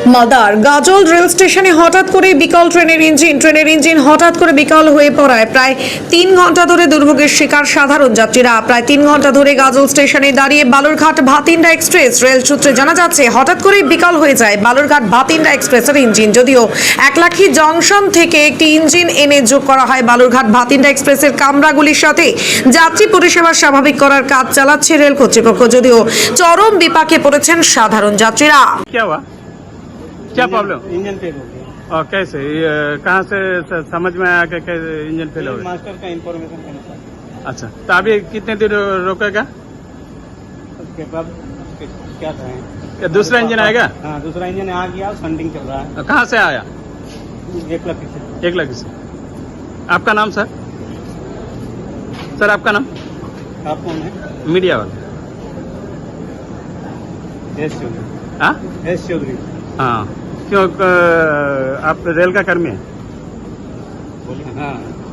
Mother গাজল rail স্টেশনে হঠাৎ করে বিকল ট্রেনের ইঞ্জিন হঠাৎ করে বিকল হয়ে পড়ায় প্রায় 3 ঘন্টা ধরে দুর্ভোগের শিকার সাধারণ যাত্রীরা। প্রায় 3 ঘন্টা ধরে গাজল স্টেশনে দাঁড়িয়ে বালুরঘাট ভাতিন্ডা এক্সপ্রেস। রেল সূত্রে জানা যাচ্ছে হঠাৎ করে বিকল হয়ে যায় বালুরঘাট ভাতিন্ডা এক্সপ্রেসের ইঞ্জিন। যদিও একলাখী জংশন থেকে একটি ইঞ্জিন এনে যোগ করা হয় বালুরঘাট ভাতিন্ডা এক্সপ্রেসের কামরাগুলির সাথে, যাত্রী পরিষেবা স্বাভাবিক করার কাজ চালাচ্ছে রেল কর্তৃপক্ষ। যদিও চরম বিপাকে পড়েছেন সাধারণ যাত্রীরা। क्या प्रॉब्लम? इंजन फेल हो गया। और कैसे कहाँ से समझ में आया कि इंजन फेल हो गया? मास्टर का इंफॉर्मेशन के अनुसार अच्छा, तो अभी कितने देर रोकेगा? उसके बाद क्या कहें, क्या दूसरा इंजन आएगा? हाँ दूसरा इंजन आ गया, संडिंग चल रहा है। कहाँ से आया? 1 लाख से। 1 लाख से। आपका नाम सर? सर आपका नाम? आप कौन है? मीडिया वाला। एस चौधरी। हाँ एस चौधरी। हाँ, क्यों आप रेल का कर्मी है? बोलिए। हाँ